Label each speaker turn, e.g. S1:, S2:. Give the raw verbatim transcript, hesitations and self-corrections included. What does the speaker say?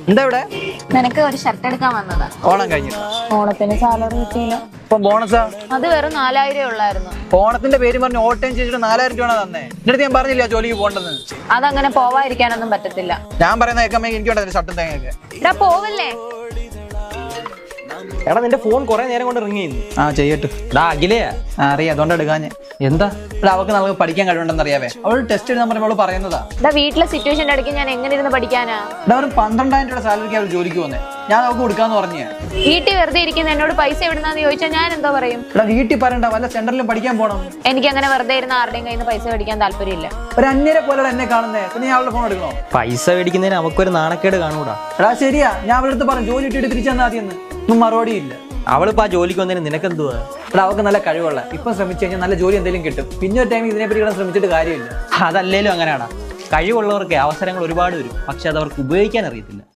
S1: എന്താ ഇവിടെ?
S2: നിനക്ക് ഒരു ഷർട്ട് എടുക്കാൻ വന്നതാ.
S1: ഓണം കഴിഞ്ഞു.
S2: ഓണത്തിന് സാലറി കിട്ടിയില്ല.
S1: ഇപ്പൊ ബോണസാ?
S2: അത് വെറും നാലായിരം ഉള്ളായിരുന്നു.
S1: ഓണത്തിന്റെ പേര് പറഞ്ഞ് ഓട്ടം ചെയ്തിട്ട് നാലായിരം രൂപ തന്നെ. എന്റെ അടുത്ത് ഞാൻ പറഞ്ഞില്ല ജോലിക്ക് പോകണ്ടെന്ന്.
S2: അതങ്ങനെ പോവാതിരിക്കാനൊന്നും പറ്റത്തില്ല.
S1: ഞാൻ പറയുന്ന കേൾക്കുമ്പോ എനിക്ക് വേണ്ടത് ഷർട്ടും തേങ്ങയൊക്കെ.
S2: എടാ പോവല്ലേ?
S3: എടാ നിന്റെ ഫോൺ കുറെ നേരം കൊണ്ട് റിങ് ചെയ്യുന്നു.
S1: ആ ചെയ്യട്ടെ.
S3: എടാ അഖിലയാ?
S1: ആ അറിയാം, അതുകൊണ്ട് എടുക്കാൻ ഞാൻ.
S3: എന്താ?
S1: ഇവിടെ അവൾക്ക് നമുക്ക് പഠിക്കാൻ കഴിവുണ്ടെന്ന് അറിയാവേ. അവൾ ടെസ്റ്റ് എഴുതാൻ പറയുമ്പോൾ അവള് പറയുന്നതാ.
S2: എടാ വീട്ടിലെ സിറ്റുവേഷന്റെ ഇടയ്ക്ക് ഞാൻ എങ്ങനെ ഇരുന്ന് പഠിക്കാനാ?
S1: ഇവിടെ ഒരു പന്ത്രണ്ടായിരം രൂപ സാലറിക്ക് അവൾ ജോലിക്ക് വന്നേ. ഞാൻ അവൾക്ക് കൊടുക്കാന്ന് പറഞ്ഞേ.
S2: വീട്ടിൽ വെറുതെ ഇരിക്കുന്ന എന്നോട് പൈസ എവിടുന്നാന്ന് ചോദിച്ചാൽ ഞാൻ എന്തോ പറയും?
S1: ഇവിടെ വീട്ടിൽ പറയണ്ട, വല്ല സെന്ററിലും പഠിക്കാൻ പോകണം.
S2: എനിക്ക് അങ്ങനെ വെറുതെ ഇരുന്ന് ആരുടെയും കയ്യിൽ നിന്ന് പൈസ മേടിക്കാൻ താല്പര്യമില്ല.
S1: ഒരു അന്യരെ പോലെ എന്നെ കാണുന്നേ, പിന്നെ ഞാൻ അവളുടെ ഫോൺ എടുക്കണോ?
S3: പൈസ മേടിക്കുന്നതിന് നമുക്കൊരു നാണക്കേട് കാണൂടാ.
S1: എടാ ശരിയാ, ഞാൻ അവളുടെ അടുത്ത് പറഞ്ഞു ജോലി ഇട്ടിട്ട് തിരിച്ചു തന്നാ മതിയെന്ന്. ഒന്നും മറുപടി ഇല്ല.
S3: അവളിപ്പോ ആ ജോലിക്ക് വന്നതിന് നിനക്കെന്തുവാ?
S1: ഇവിടെ അവൾക്ക് നല്ല കഴിവുള്ള, ഇപ്പം ശ്രമിച്ചു കഴിഞ്ഞാൽ നല്ല ജോലി എന്തെങ്കിലും കിട്ടും. പിന്നെ ഒരു ടൈം ഇതിനെപ്പറ്റി ഇവിടെ ശ്രമിച്ചിട്ട് കാര്യമില്ല.
S3: അതല്ലേലും അങ്ങനെയാടാ. കഴിവുള്ളവർക്ക് അവസരങ്ങൾ ഒരുപാട് വരും, പക്ഷെ അത് അവർക്ക് ഉപയോഗിക്കാൻ അറിയത്തില്ല.